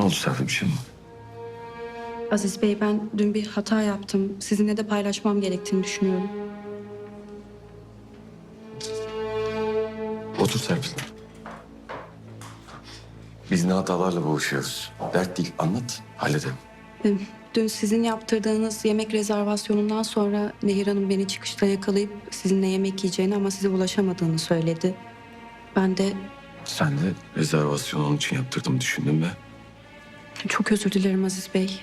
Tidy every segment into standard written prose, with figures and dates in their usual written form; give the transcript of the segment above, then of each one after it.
oldu Serpil, bir şey mi? Aziz Bey, ben dün bir hata yaptım. Sizinle de paylaşmam gerektiğini düşünüyorum. Otur Serpil. Biz ne hatalarla boğuşuyoruz. Dert değil, anlat, halledelim. Dün sizin yaptırdığınız yemek rezervasyonundan sonra Nehir Hanım beni çıkışta yakalayıp sizinle yemek yiyeceğini ama size ulaşamadığını söyledi. Ben de Sen de rezervasyonu onun için yaptırdım düşündün ve çok özür dilerim Aziz Bey.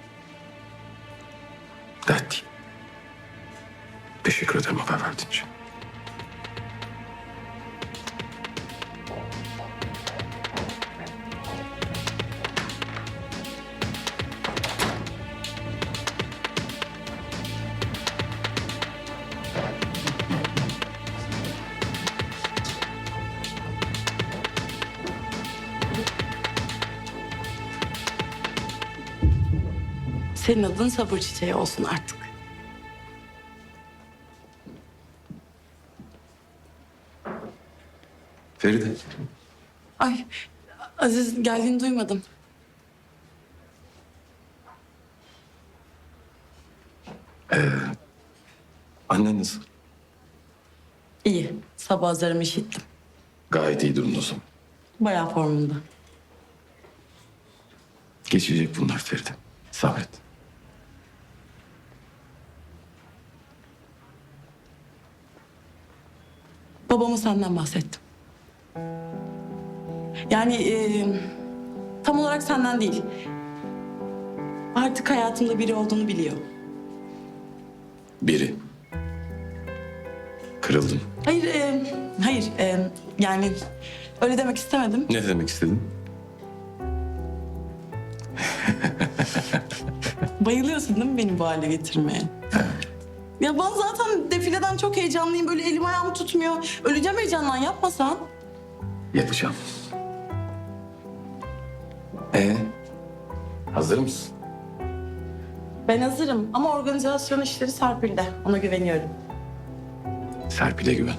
dert değil. Teşekkür ederim haber verdiğin için. Senin adın sabır çiçeği olsun artık. Feride. Ay, Aziz geldiğini duymadım. Annen nasıl? İyi, sabah azarımı işittim. Gayet iyi durumda o zaman. Bayağı formunda. Geçecek bunlar Feride. Sabret. Babama senden bahsettim. Yani tam olarak senden değil. Artık hayatımda biri olduğunu biliyor. Biri. Kırıldım. Hayır, yani öyle demek istemedim. Ne demek istedin? Bayılıyorsun değil mi beni bu hale getirmeye? Ya ben zaten defileden çok heyecanlıyım. Böyle elim ayağım tutmuyor. Öleceğim heyecandan, yapmasan. Yapacağım. Hazır mısın? Ben hazırım ama organizasyon işleri Serpil'de. Ona güveniyorum. Serpil'e güven.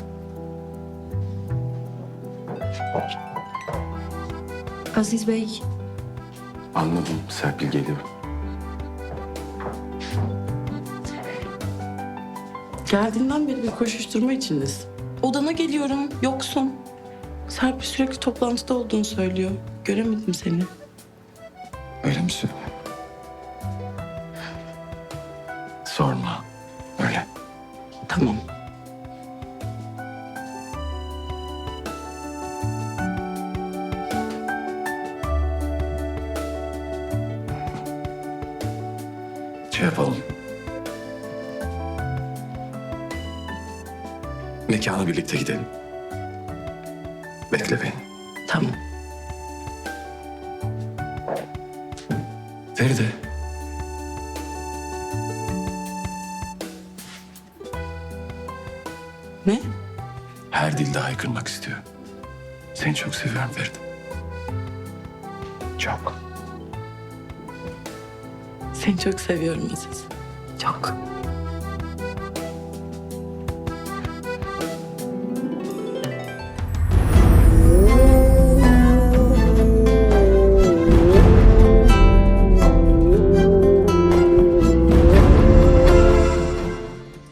Aziz Bey, Anladım. Serpil geliyor. Geldiğinden beri bir koşuşturma içindesin. Odana geliyorum, yoksun. Serpil sürekli toplantıda olduğunu söylüyor. Göremedim seni. Öyle mi söylüyor? Sorma. Öyle. Tamam. Şey yapalım. Mekana birlikte gidelim. Bekle beni. Tamam. Feride. Ne? Her dilde haykırmak istiyor. Seni çok seviyorum Feride. Çok. Seni çok seviyorum Aziz. Çok.